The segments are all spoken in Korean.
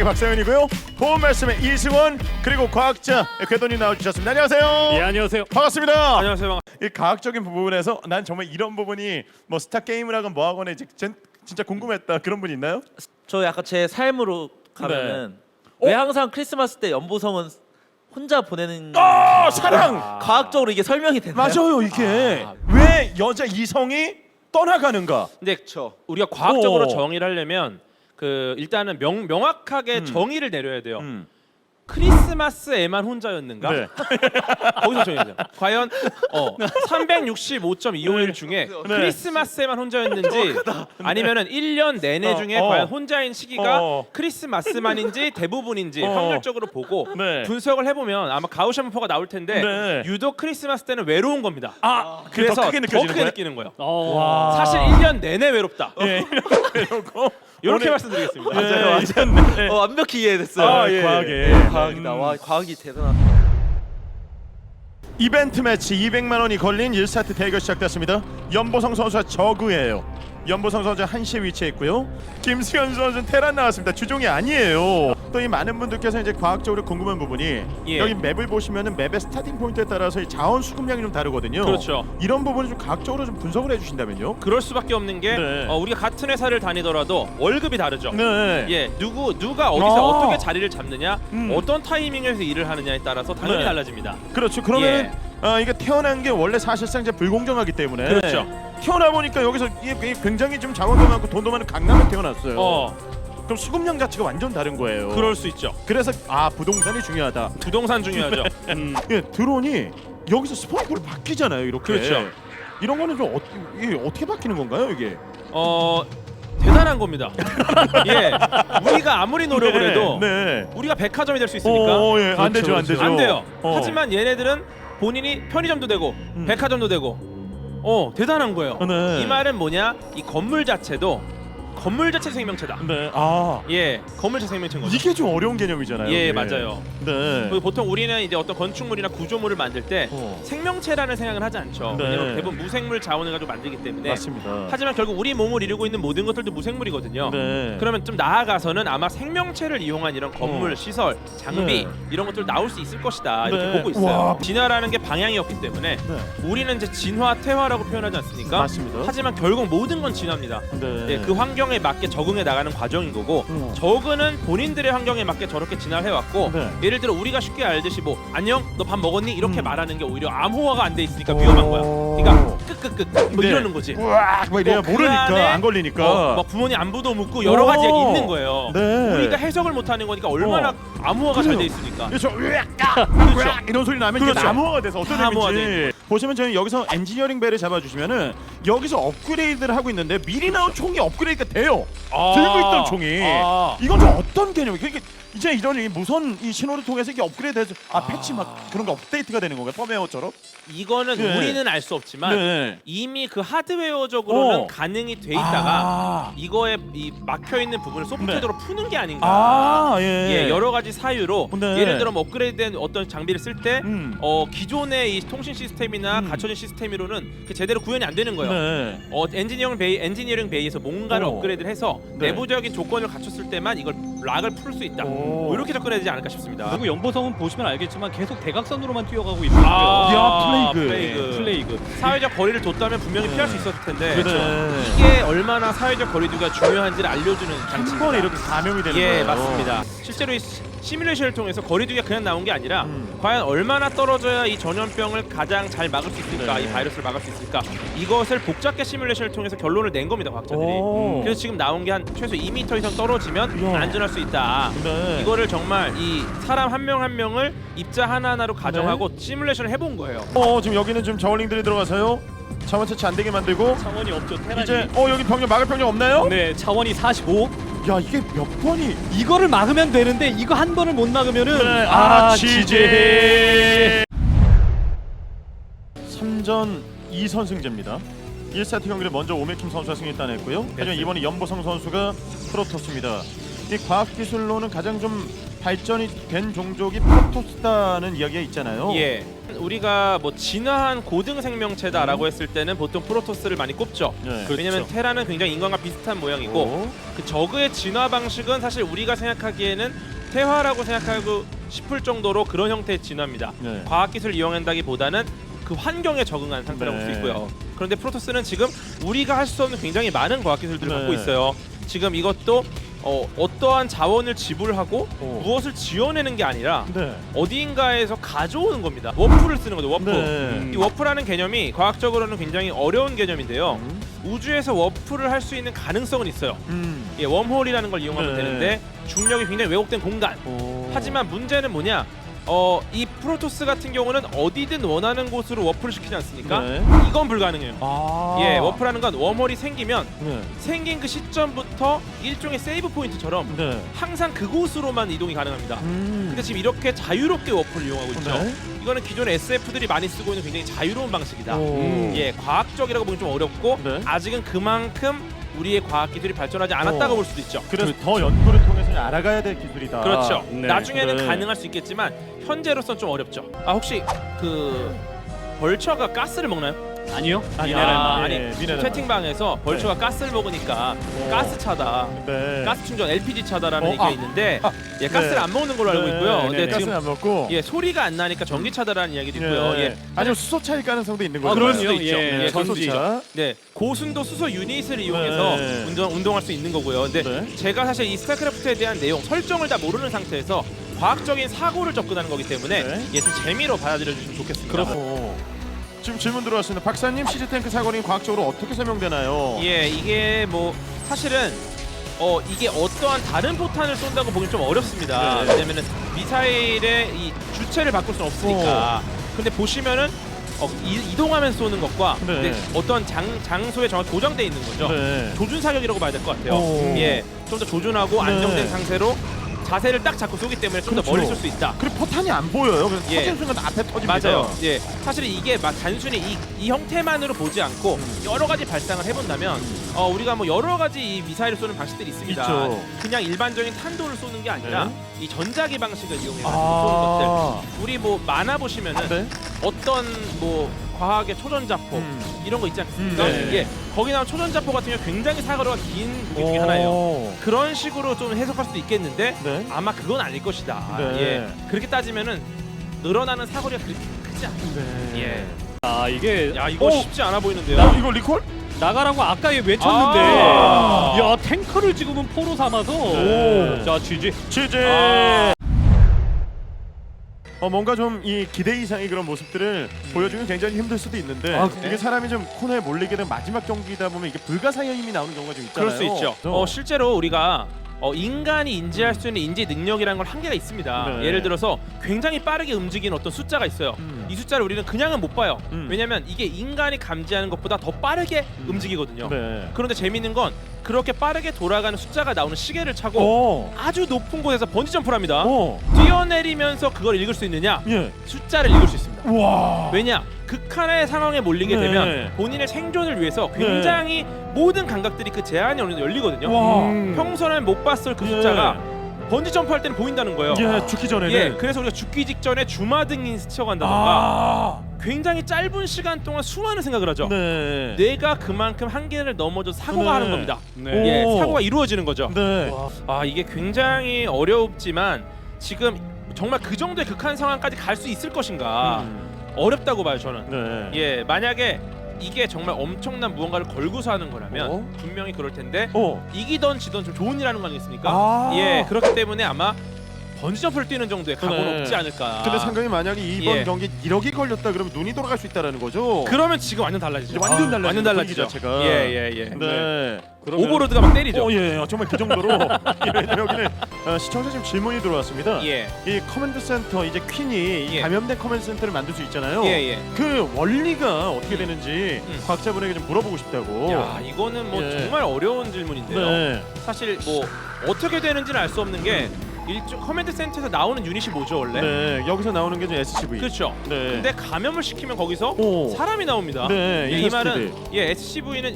과학의 박사연이고요. 보험 말씀의 이승원 그리고 과학자 궤도님 나와주셨습니다. 안녕하세요. 예, 안녕하세요. 반갑습니다. 안녕하세요. 이 과학적인 부분에서 난 정말 이런 부분이 뭐 스타 게임을 하건 뭐 하건 진짜 궁금했다 그런 분 있나요? 저 약간 제 삶으로 가면은 네. 왜 항상 크리스마스 때 연보성은 혼자 보내는 사랑 과학적으로 이게 설명이 되나요? 맞아요. 이게 왜 여자 이성이 떠나가는가? 근데 우리가 과학적으로 오. 정의를 하려면 그 일단은 명확하게 정의를 내려야 돼요. 크리스마스에만 혼자였는가? 네. 거기서 정해야 돼요. 과연 365.251 중에 크리스마스에만 혼자였는지 아니면은 1년 내내 중에 과연 혼자인 시기가 크리스마스만인지 대부분인지 확률적으로 보고 네. 분석을 해보면 아마 가우시아 분포가 나올 텐데 네. 유독 크리스마스 때는 외로운 겁니다. 그게 그래서 더 크게 느껴지는 거예요? 느끼는 거예요. 와. 사실 1년 내내 외롭다. 예, 이러고 이렇게 오늘- 말씀드리겠습니다. 맞아요. 완벽히 이해됐어요. 아, 예. 과학에. 과학이다. 와, 과학이 대단하다. 이벤트 매치 200만 원이 걸린 1세트 대결 시작됐습니다. 연보성 선수와 저그예요. 연보성 선수 1시에 위치해 있고요. 김수현 선수는 테란 나왔습니다. 주종이 아니에요. 또 이 많은 분들께서 이제 과학적으로 궁금한 부분이 예. 여기 맵을 보시면은 맵의 스타팅 포인트에 따라서 이 자원 수급량이 좀 다르거든요. 그렇죠. 이런 부분을 좀 과학적으로 좀 분석을 해주신다면요. 그럴 수밖에 없는 게 네. 우리가 같은 회사를 다니더라도 월급이 다르죠. 네. 예, 누가 어디서 아. 어떻게 자리를 잡느냐, 어떤 타이밍에서 일을 하느냐에 따라서 당연히 네. 달라집니다. 그렇죠. 그러면 예. 이게 태어난 게 원래 사실상 이제 불공정하기 때문에 그렇죠. 태어나 보니까 여기서 이게 굉장히 좀 자원도 많고 돈도 많은 강남에 태어났어요. 그럼 수급량 자체가 완전 다른 거예요. 그럴 수 있죠. 그래서 부동산이 중요하다. 부동산 중요하죠. 예, 드론이 여기서 스포너로 바뀌잖아요. 이렇게. 그렇죠. 이런 거는 좀 이게 어떻게 바뀌는 건가요, 이게? 대단한 겁니다. 예, 우리가 아무리 노력을 해도 네. 우리가 백화점이 될 수 있습니까? 예, 안 되죠, 안 되죠. 안 돼요. 어. 하지만 얘네들은 본인이 편의점도 되고 백화점도 되고 대단한 거예요. 네. 이 말은 뭐냐? 이 건물 자체도 건물 자체 생명체다. 네. 예, 건물 자체 생명체인 거죠. 이게 좀 어려운 개념이잖아요. 예, 이게. 맞아요. 네. 보통 우리는 이제 어떤 건축물이나 구조물을 만들 때 생명체라는 생각을 하지 않죠. 네. 왜냐면 대부분 무생물 자원을 가지고 만들기 때문에. 맞습니다. 하지만 결국 우리 몸을 이루고 있는 모든 것들도 무생물이거든요. 네. 그러면 좀 나아가서는 아마 생명체를 이용한 이런 건물, 시설, 장비 네. 이런 것들 나올 수 있을 것이다 이렇게 네. 보고 있어요. 와. 진화라는 게 방향이었기 때문에 우리는 이제 진화, 퇴화라고 표현하지 않습니까? 맞습니다. 하지만 결국 모든 건 진화입니다. 네. 예, 그 환경에 맞게 적응해 나가는 과정인 거고 저그는 본인들의 환경에 맞게 저렇게 진화를 해왔고 네. 예를 들어 우리가 쉽게 알듯이 뭐 안녕 너 밥 먹었니 이렇게 말하는 게 오히려 암호화가 안 돼 있으니까 위험한 거야. 그러니까 끄끄끄 뭐 네. 이러는 거지. 우악 뭐 이래야 그 모르니까 안에 안 걸리니까. 막 부모님 안부도 묻고 여러 가지 얘기 있는 거예요. 네. 우리가 해석을 못하는 거니까 얼마나 암호화가 잘 돼 있으니까. 그렇죠. 으악 이런 소리 나면 이게 그렇죠. 나무화가 돼서 어떤 다 암호화돼 의미인지 보시면 저는 여기서 엔지니어링 벨을 잡아주시면은 여기서 업그레이드를 하고 있는데 미리 나온 총이 업그레이드가 돼요. 들고 있던 총이 이건 좀 어떤 개념이? 그러니까 이제 이런 이 무선 이 신호를 통해서 이게 업그레이드해서 패치 막 그런 거 업데이트가 되는 건가요? 펌웨어처럼? 이거는 네. 우리는 알 수 없지만 네. 이미 그 하드웨어적으로는 가능이 돼 있다가 이거에 이 막혀 있는 부분을 소프트웨어로 푸는 게 아닌가. 예. 예, 여러 가지 사유로 네. 예를 들어 뭐 업그레이드된 어떤 장비를 쓸 때 기존의 이 통신 시스템이나 갖춰진 시스템으로는 그 제대로 구현이 안 되는 거예요. 네. 엔지니어링 베이에서 뭔가를 업그레이드를 해서 네. 내부적인 조건을 갖췄을 때만 이걸 락을 풀 수 있다. 뭐 이렇게 접근해야 되지 않을까 싶습니다. 그리고 연보성은 보시면 알겠지만 계속 대각선으로만 뛰어가고 있고요. 야, 플레이그. 사회적 거리를 뒀다면 분명히 피할 수 있었을 텐데 그렇죠. 이게 얼마나 사회적 거리두기가 중요한지를 알려주는 한 장치입니다. 번에 이렇게 감염이 되는 예, 거예요. 맞습니다. 실제로 이 시뮬레이션을 통해서 거리두기가 그냥 나온 게 아니라 과연 얼마나 떨어져야 이 전염병을 가장 잘 막을 수 있을까, 네. 이 바이러스를 막을 수 있을까, 이것을 복잡하게 시뮬레이션을 통해서 결론을 낸 겁니다, 과학자들이. 그래서 지금 나온 게 한 최소 2m 이상 떨어지면 이야. 안전할 수 있다. 네. 이거를 정말 이 사람 한 명 한 명을 입자 하나하나로 가정하고 시뮬레이션을 해본 거예요. 지금 여기는 지금 저울링들이 들어가서요. 자원 채취 안 되게 만들고 차원이 없죠. 테란이. 이제 여기 병력 막을 병력 없나요? 네, 차원이 45. 야 이게 몇 번이 이거를 막으면 되는데 이거 한 번을 못 막으면은 지제 3전 2선승제입니다. 1세트 경기를 먼저 오메킴 선수가 승리 따냈고요. 하지만 이번에 연보성 선수가 프로토스입니다. 이 과학기술로는 가장 좀 발전이 된 종족이 프로토스다는 이야기가 있잖아요. 예. 우리가 뭐 진화한 고등 생명체다라고 했을 때는 보통 프로토스를 많이 꼽죠. 네. 왜냐면 테라는 굉장히 인간과 비슷한 모양이고 오. 그 저그의 진화 방식은 사실 우리가 생각하기에는 태화라고 생각하고 싶을 정도로 그런 형태의 진화입니다. 네. 과학기술을 이용한다기보다는 그 환경에 적응한 상태라고 볼 수 네. 있고요. 그런데 프로토스는 지금 우리가 할 수 없는 굉장히 많은 과학기술들을 네. 갖고 있어요. 지금 이것도 어떠한 자원을 지불하고 무엇을 지어내는 게 아니라 네. 어디인가에서 가져오는 겁니다. 워프를 쓰는 거죠. 워프. 네. 이 워프라는 개념이 과학적으로는 굉장히 어려운 개념인데요. 우주에서 워프를 할 수 있는 가능성은 있어요. 예, 웜홀이라는 걸 이용하면 네. 되는데 중력이 굉장히 왜곡된 공간. 하지만 문제는 뭐냐? 이 프로토스 같은 경우는 어디든 원하는 곳으로 워프를 시키지 않습니까? 네. 이건 불가능해요. 아. 예, 워프라는 건 웜홀이 생기면 네. 생긴 그 시점부터 일종의 세이브 포인트처럼 네. 항상 그곳으로만 이동이 가능합니다. 근데 지금 이렇게 자유롭게 워프를 이용하고 있죠. 네. 이거는 기존의 SF들이 많이 쓰고 있는 굉장히 자유로운 방식이다. 오. 예, 과학적이라고 보기 좀 어렵고 네. 아직은 그만큼 우리의 과학 기술이 발전하지 않았다고 볼 수도 있죠. 그래서 더 연구를 통해서 알아가야 될 기술이다. 그렇죠. 네. 나중에는 네. 가능할 수 있겠지만 현재로선 좀 어렵죠. 아 혹시 그 벌처가 가스를 먹나요? 아니요. 아니, 아니 미네랄. 채팅방에서 벌처가 가스를 먹으니까 가스 차다. 네. 가스 충전 LPG 차다라는 어, 얘기가 아. 있는데 예, 가스를 네. 안 먹는 걸로 알고 있고요. 네, 근데 가스는 지금 안 먹고. 예 소리가 안 나니까 전기 차다라는 이야기도 있고요. 예. 아니면 수소 차일 가능성도 있는 아, 거죠. 그럴 수도 그럼요. 있죠. 예, 예, 그럴 수도 있죠. 전소차. 네, 고순도 수소 유닛을 이용해서 네. 운동할 수 있는 거고요. 근데 네. 제가 사실 이 스타크래프트에 대한 내용 설정을 다 모르는 상태에서 과학적인 사고를 접근하는 거기 때문에 네. 예, 좀 재미로 받아들여 주시면 좋겠습니다. 지금 질문 들어왔습니다. 박사님, 시즈탱크 사거리는 과학적으로 어떻게 설명되나요? 예, 이게 뭐 사실은 이게 어떠한 다른 포탄을 쏜다고 보기 좀 어렵습니다. 네. 왜냐면은 미사일의 이 주체를 바꿀 수는 없으니까. 근데 보시면은 이동하면서 쏘는 것과 네. 근데 어떤 장소에 정확히 고정돼 있는 거죠. 네. 조준 사격이라고 봐야 될 것 같아요. 오. 예, 좀 더 조준하고 네. 안정된 상태로 자세를 딱 잡고 쏘기 때문에 좀 더 그렇죠. 멀리 쏠 수 있다. 그리고 포탄이 안 보여요. 그래서 예. 터지는 순간 앞에 터집니다. 맞아요. 예, 사실 이게 단순히 이 형태만으로 보지 않고 여러 가지 발상을 해본다면 우리가 뭐 여러 가지 이 미사일을 쏘는 방식들이 있습니다. 있죠. 그냥 일반적인 탄도를 쏘는 게 아니라 이 전자기 방식을 이용해서 쏘는 아. 것들. 우리 뭐 만화 보시면은 네. 어떤 뭐 과학의 초전자포 이런 거 있지 않습니까? 네. 예, 거기 나온 초전자포 같은 경우 굉장히 사거리가 긴 무기 중에 하나예요. 그런 식으로 좀 해석할 수도 있겠는데 네. 아마 그건 아닐 것이다. 네. 예, 그렇게 따지면은 늘어나는 사거리가 그렇게 크지 않습니다. 네. 예. 아 이게 야 이거 쉽지 않아 보이는데요. 이거 리콜? 나가라고 아까 외쳤는데 아. 야 탱커를 지금은 포로 삼아서 네. 자 GG. 취재. 아. 뭔가 좀 이 기대 이상의 그런 모습들을 보여주면 굉장히 힘들 수도 있는데 이게 사람이 좀 코너에 몰리게 된 마지막 경기다 보면 이게 불가사의 힘이 나오는 경우가 좀 있잖아요. 그럴 수 있죠. 실제로 우리가 인간이 인지할 수 있는 인지 능력이라는 걸 한계가 있습니다. 네. 예를 들어서 굉장히 빠르게 움직이는 어떤 숫자가 있어요. 이 숫자를 우리는 그냥은 못 봐요. 왜냐하면 이게 인간이 감지하는 것보다 더 빠르게 움직이거든요. 네. 그런데 재미있는 건 그렇게 빠르게 돌아가는 숫자가 나오는 시계를 차고 오. 아주 높은 곳에서 번지 점프를 합니다. 오. 뛰어내리면서 그걸 읽을 수 있느냐? 예. 숫자를 읽을 수 있습니다. 와. 왜냐? 극한의 상황에 몰리게 네. 되면 본인의 생존을 위해서 굉장히 모든 감각들이 그 제한이 어느 정도 열리거든요. 와. 평소에는 못 봤을 그 숫자가 번지 점프할 때는 보인다는 거예요. 예, 죽기 전에는. 예, 그래서 우리가 죽기 직전에 주마등이 스쳐간다던가 아. 굉장히 짧은 시간 동안 수많은 생각을 하죠. 네. 뇌가 그만큼 한계를 넘어져 사고가 네. 하는 겁니다. 네. 예, 오. 사고가 이루어지는 거죠. 네. 아 이게 굉장히 어렵지만 지금 정말 그 정도의 극한 상황까지 갈 수 있을 것인가 어렵다고 봐요 저는. 네. 예, 만약에 이게 정말 엄청난 무언가를 걸고서 하는 거라면 분명히 그럴 텐데 이기던 지던 좀 좋은 일 하는 거 아니겠습니까? 아. 예, 그렇기 때문에 아마 번지점프를 뛰는 정도의 각오는 네. 없지 않을까. 근데 상금이 만약에 이번 예. 경기 1억이 걸렸다 그러면 눈이 돌아갈 수 있다라는 거죠. 그러면 지금 완전 달라지죠. 완전 달라지죠. 완전 달라지죠. 분위기 자체가. 예. 네. 오버로드가 막 때리죠. 예, 정말 그 정도로. 예, 여기는 시청자 지금 질문이 들어왔습니다. 예. 이 커맨드 센터 이제 퀸이 이 예. 감염된 커맨드 센터를 만들 수 있잖아요. 예. 그 원리가 어떻게 되는지 과학자분에게 좀 물어보고 싶다고. 야, 이거는 뭐 예. 정말 어려운 질문인데요. 네. 사실 뭐 어떻게 되는지는 알 수 없는 게 일종 커맨드 센터에서 나오는 유닛이 뭐죠 원래? 네. 여기서 나오는 게 좀 SCV. 그렇죠. 네. 근데 감염을 시키면 거기서 오. 사람이 나옵니다. 네. 예, 이 인터스티드. 말은 SCV는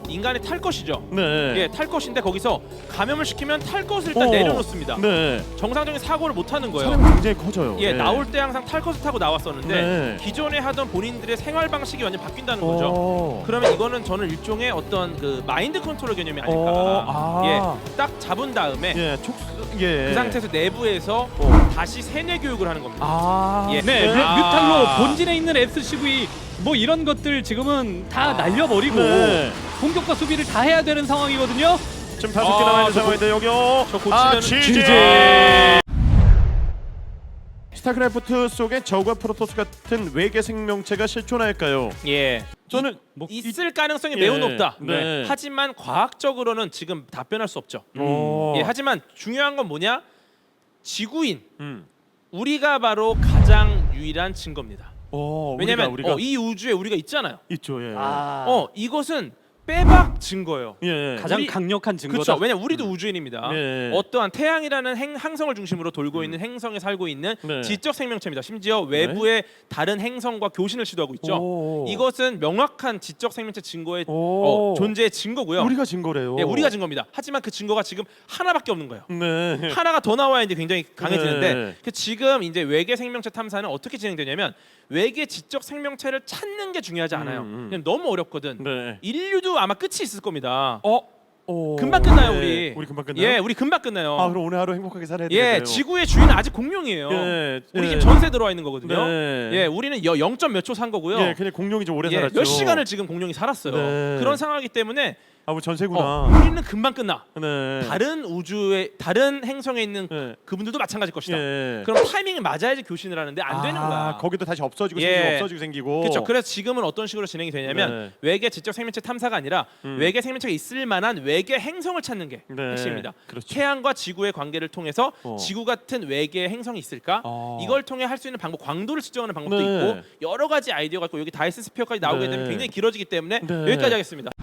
인간이 탈 것이죠. 네. 예, 탈 것인데 거기서 감염을 시키면 탈 것을 일단 내려놓습니다. 네. 정상적인 사고를 못 하는 거예요. 사람이 굉장히 커져요. 예, 네. 나올 때 항상 탈 것을 타고 나왔었는데 네. 기존에 하던 본인들의 생활 방식이 완전 바뀐다는 거죠. 그러면 이거는 저는 일종의 어떤 그 마인드 컨트롤 개념이 아닐까. 예, 딱 잡은 다음에 그 상태에서 내부에서 다시 세뇌 교육을 하는 겁니다. 예. 네, 뮤탈로 본진에 있는 SCV 뭐 이런 것들 지금은 다 날려버리고 네. 공격과 수비를 다 해야 되는 상황이거든요. 지금 5개 남아 있는 상황인데 여기요. 저 고치면은 GG. 스타크래프트 속에 저그와 프로토스 같은 외계 생명체가 실존할까요? 예. 저는 있을 가능성이 예. 매우 높다. 네. 하지만 과학적으로는 지금 답변할 수 없죠. 오. 예, 하지만 중요한 건 뭐냐? 지구인 음. 우리가 바로 가장 유일한 증거입니다. 왜냐면 우리가 이 우주에 우리가 있잖아요. 있죠. 예. 이것은 빼박 증거예요. 예. 가장 우리- 강력한 증거다. 그렇죠. 왜냐 우리도 우주인입니다. 네. 어떠한 태양이라는 항성을 중심으로 돌고 있는 행성에 살고 있는 네. 지적 생명체입니다. 심지어 외부의 다른 행성과 교신을 시도하고 있죠. 오. 이것은 명확한 지적 생명체 증거의 오. 존재의 증거고요. 우리가 증거래요. 예, 우리가 증거입니다. 하지만 그 증거가 지금 하나밖에 없는 거예요. 네. 하나가 더 나와야 이제 굉장히 강해지는데 네. 그 지금 이제 외계 생명체 탐사는 어떻게 진행되냐면 외계 지적 생명체를 찾는 게 중요하지 않아요. 그냥 너무 어렵거든. 네. 인류도 아마 끝이 있을 겁니다. 오. 금방 끝나요, 네. 우리. 우리 금방 끝나요? 예, 우리 금방 끝나요. 아, 그럼 오늘 하루 행복하게 살아야 되겠네요. 예, 지구의 주인은 아직 공룡이에요. 예. 우리 예. 지금 전세 들어와 있는 거거든요. 네. 예, 우리는 0점 몇 초 산 거고요. 예, 그냥 공룡이 좀 오래 예, 살았죠. 몇 시간을 지금 공룡이 살았어요. 네. 그런 상황이기 때문에 아, 뭐 전세구나. 우리는 금방 끝나. 네. 다른 우주의 다른 행성에 있는 네. 그분들도 마찬가지일 것이다. 예. 그럼 타이밍이 맞아야지 교신을 하는데 안 되는 거야. 거기도 다시 없어지고 예. 생기고 없어지고 생기고. 그렇죠. 그래서 지금은 어떤 식으로 진행이 되냐면 네. 외계 지적 생명체 탐사가 아니라 외계 생명체가 있을 만한 외계 행성을 찾는 게 네. 핵심입니다. 그렇죠. 태양과 지구의 관계를 통해서 어. 지구 같은 외계 행성이 있을까? 이걸 통해 할 수 있는 방법, 광도를 측정하는 방법도 네. 있고 여러 가지 아이디어가 있고 여기 다이슨 스피어까지 나오게 네. 되면 굉장히 길어지기 때문에 네. 여기까지 하겠습니다.